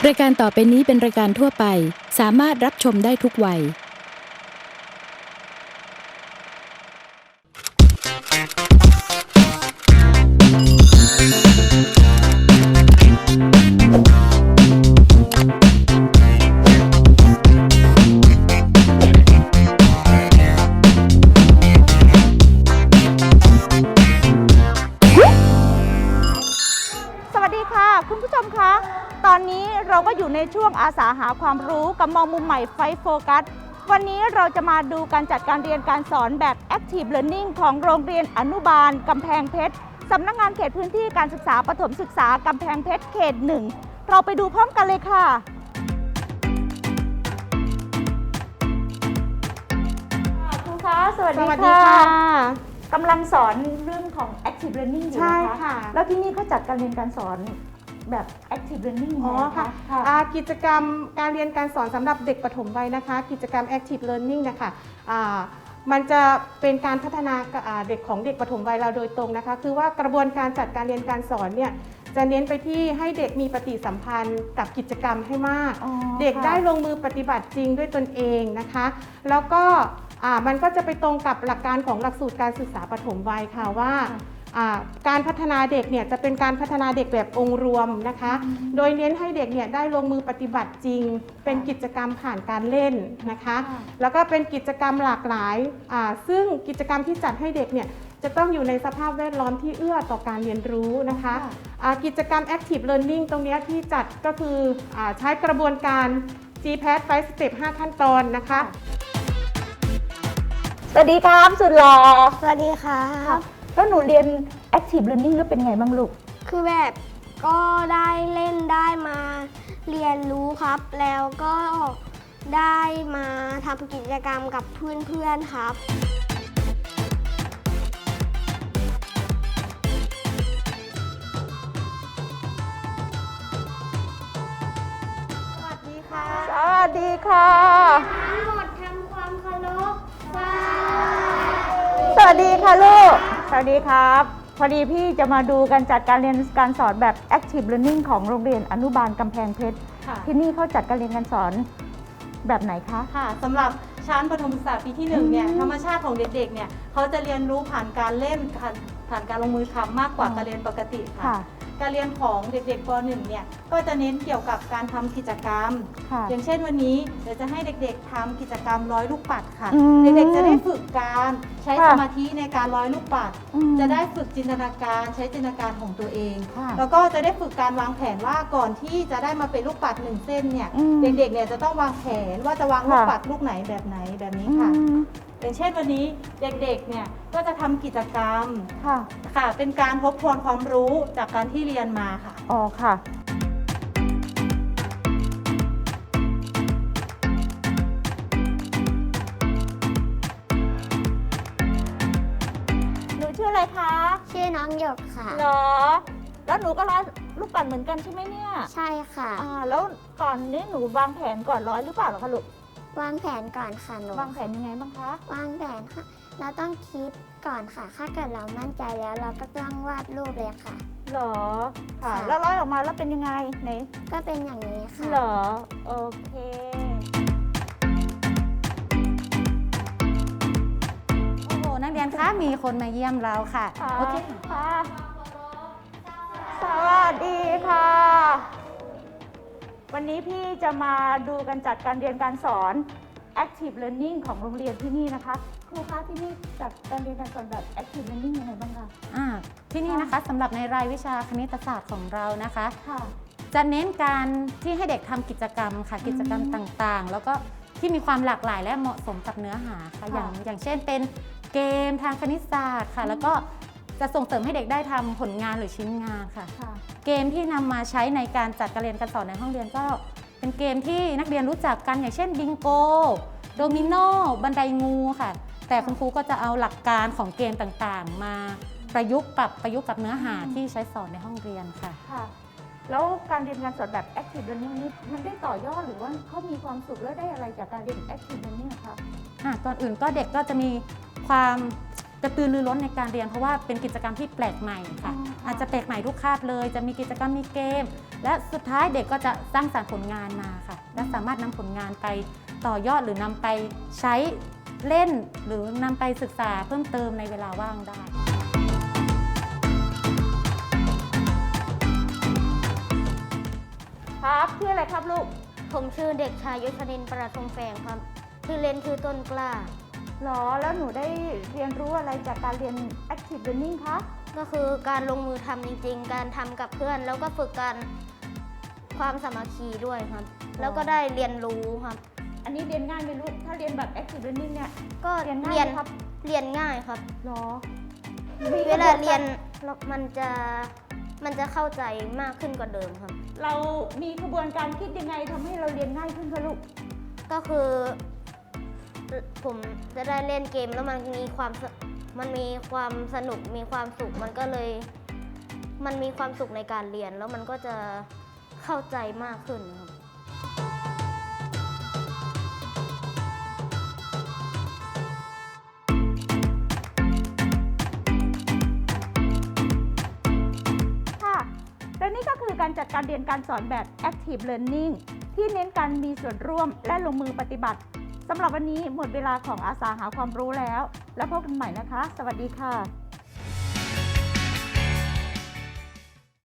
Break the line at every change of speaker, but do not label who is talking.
รายการต่อไปนี้เป็นรายการทั่วไปสามารถรับชมได้ทุกวัย
สวัสดีค่ะคุณผู้ชมคะตอนนี้เราก็อยู่ในช่วงอาสาหาความรู้กับมองมุมใหม่ไฟโฟกัสวันนี้เราจะมาดูการจัดการเรียนการสอนแบบ Active Learning ของโรงเรียนอนุบาลกำแพงเพชรสำนักงานเขตพื้นที่การศึกษาประถมศึกษากำแพงเพชรเขต 1เราไปดูพร้อมกันเลยค่ะครูคะสวัสดีค่ะกำลังสอนเรื่องของ Active Learning อยู่นะคะแล้วที่นี่เขาจัดการเรียนการสอนแบบ Active Learning
ค่ะกิจกรรมการเรียนการสอนสำหรับเด็กปฐมวัยนะคะกิจกรรม Active Learning นะคะมันจะเป็นการพัฒนาเด็กของเด็กปฐมวัยเราโดยตรงนะคะคือว่ากระบวนการจัดการเรียนการสอนเนี่ยจะเน้นไปที่ให้เด็กมีปฏิสัมพันธ์กับกิจกรรมให้มากเด็กได้ลงมือปฏิบัติจริงด้วยตนเองนะคะแล้วก็มันก็จะไปตรงกับหลักการของหลักสูตรการศึกษาปฐมวัยค่ะว่าการพัฒนาเด็กเนี่ยจะเป็นการพัฒนาเด็กแบบองค์รวมนะคะโดยเน้นให้เด็กเนี่ยได้ลงมือปฏิบัติจริงเป็นกิจกรรมผ่านการเล่นนะคะแล้วก็เป็นกิจกรรมหลากหลายซึ่งกิจกรรมที่จัดให้เด็กเนี่ยจะต้องอยู่ในสภาพแวดล้อมที่เอื้อต่อการเรียนรู้นะคะกิจกรรม Active Learning ตรงนี้ที่จัดก็คือใช้กระบวนการ GPAT 5 Step 5 ขั้นตอนนะคะ
สวัสดีครับสุดหล่อ
สวัสดีครับ
แล้วหนูเรียน Active Learning แล้วเป็นไงบ้างลูก
คือแบบก็ได้เล่นได้มาเรียนรู้ครับ แล้วก็ได้มาทำกิจกรรมกับเพื่อนๆครับ
สวัสดีค่ะสวัสดีค่ะ
ทั้งหมดทำความเคารพ
สวัสดีค่ะลูกสวัสดีครับพอดีพี่จะมาดูการจัดการเรียนการสอนแบบ Active Learning ของโรงเรียนอนุบาลกำแพงเพชรที่นี่เขาจัดการเรียนการสอนแบบไหนคะ
ค่ะสำหรับชั้นประถมศึกษาปีที่1เนี่ยธรรมชาติของเด็กๆเนี่ยเขาจะเรียนรู้ผ่านการเล่นผ่านการลงมือทำมากกว่าการเรียนปกติค่ะการเรียนของเด็กๆป .1 เนี่ยก็จะเน้นเกี่ยวกับการทำกิจกรรมอย่างเช่นวันนี้เดี๋ยวจะให้เด็กๆทำกิจกรรมร้อยลูกปัดค่ะเด็กๆจะได้ฝึกการใช้สมาธิในการร้อยลูกปัดจะได้ฝึกจินตนาการใช้จินตนาการของตัวเองแล้วก็จะได้ฝึกการวางแผนว่าก่อนที่จะได้มาเป็นลูกปัด1เส้นเนี่ยเด็กๆเนี่ยจะต้องวางแผนว่าจะวางลูกปัดลูกไหนแบบนี้ค่ะอย่างเช่นวันนี้เด็กๆเนี่ยก็จะทำกิจกรรมค่ะเป็นการทบทวนความรู้จากการที่เรียนมาค่ะ
อ๋อค่ะหนูชื่ออะไรคะ
ชื่อน้องหยกค่ะ
เหรอแล้วหนูก็ร้อยลูกปัดเหมือนกันใช่ไหมเนี่ย
ใช่ค่ะ
แล้วก่อนนี้หนูวางแผนก่อนร้อยหรือเปล่าหรอคะลูก
วางแผนก่อนค่ะหนู
วางแผนยังไงบ้างคะ
วางแผนค่ะเราต้องคิดก่อนค่ะถ้าเกิดเรามั่นใจแล้วเราก็ต้องวาดรูปเลยค่ะ
เหรอค่ะแล้วร้อยออกมาแล้วเป็นยังไงไหน
ก็เป็นอย่างนี้ค่ะ
เหรอโอเค
โอ้โหนักเรียนคะมีคนมาเยี่ยมเราค่ะ
โอเคค่ะสวัสดีค่ะวันนี้พี่จะมาดูการจัดการเรียนการสอน Active Learning ของโรงเรียนที่นี่นะคะครูคะที่นี่จัดการเรียนการสอนแบบ Active Learning ยังไงบ้างคะ
ที่นี่นะคะสำหรับในรายวิชาคณิตศาสตร์ของเรานะคะจะเน้นการที่ให้เด็กทำกิจกรรมค่ะกิจกรรมต่างๆแล้วก็ที่มีความหลากหลายและเหมาะสมกับเนื้อหาค่ะอย่างเช่นเป็นเกมทางคณิตศาสตร์ค่ะแล้วก็จะส่งเสริมให้เด็กได้ทำผลงานหรือชิ้นงานค่ะเกมที่นำมาใช้ในการจัดการเรียนการสอนในห้องเรียนก็เป็นเกมที่นักเรียนรู้จักกันอย่างเช่นบิงโกโดมิโนบันไดงูค่ะแต่คุณครูก็จะเอาหลักการของเกมต่างๆมาประยุกต์กับเนื้อหาที่ใช้สอนในห้องเรียนค่ะ
แล้วการเรียนการสอนแบบ Active Learning นี้มันได้ต่อยอดหรือว่าเขามีความสุขและได้อะไรจากการเรียน Active Learning คะ
ก่อนอื่นก็เด็กก็จะมีความกระตือรือร้นในการเรียนเพราะว่าเป็นกิจกรรมที่แปลกใหม่ค่ะ อาจจะแปลกใหม่ทุกคาบเลยจะมีกิจกรรมมีเกม และสุดท้ายเด็กก็จะสร้างสรรค์ผลงานมาค่ะและสามารถนำผลงานไปต่อยอดหรือนำไปใช้เล่นหรือนำไปศึกษาเพิ่มเติมในเวลาว่างได้
ครับชื่ออะไรครับลูก
ผมชื่อเด็กชายยศนินทร์ประทงแฝงครับชื่อเล่นชื่อต้นกล้า
หรอแล้วหนูได้เรียนรู้อะไรจากการเรียน Active Learning คะ
ก็คือการลงมือทำจริงๆ การทำกับเพื่อน แล้วก็ฝึกการความสามัคคีด้วยครับ แล้วก็ได้เรียนรู้ครับ
อันนี้เรียนง่ายไหมลูกถ้าเรียนแบบ Active Learning เนี่ย
ก็
เรียนง่าย
เรียน
ไหมครับ
เรียนง่ายครับ
หรอ
เวลาเรียนมันจะเข้าใจมากขึ้นกว่าเดิมครับ
เรามีกระบวนการคิดยังไงทำให้เราเรียนง่ายขึ้นคะลูก
ก็คือผมจะได้เล่นเกมแล้วมันมีความสนุกมีความสุขมันมีความสุขในการเรียนแล้วมันก็จะเข้าใจมากขึ้นครับ
ค่ะและนี่ก็คือการจัดการเรียนการสอนแบบ Active Learning ที่เน้นการมีส่วนร่วมและลงมือปฏิบัติสำหรับวันนี้หมดเวลาของอาสาหาความรู้แล้วพบกันใหม่นะคะ สวัสดีค่ะ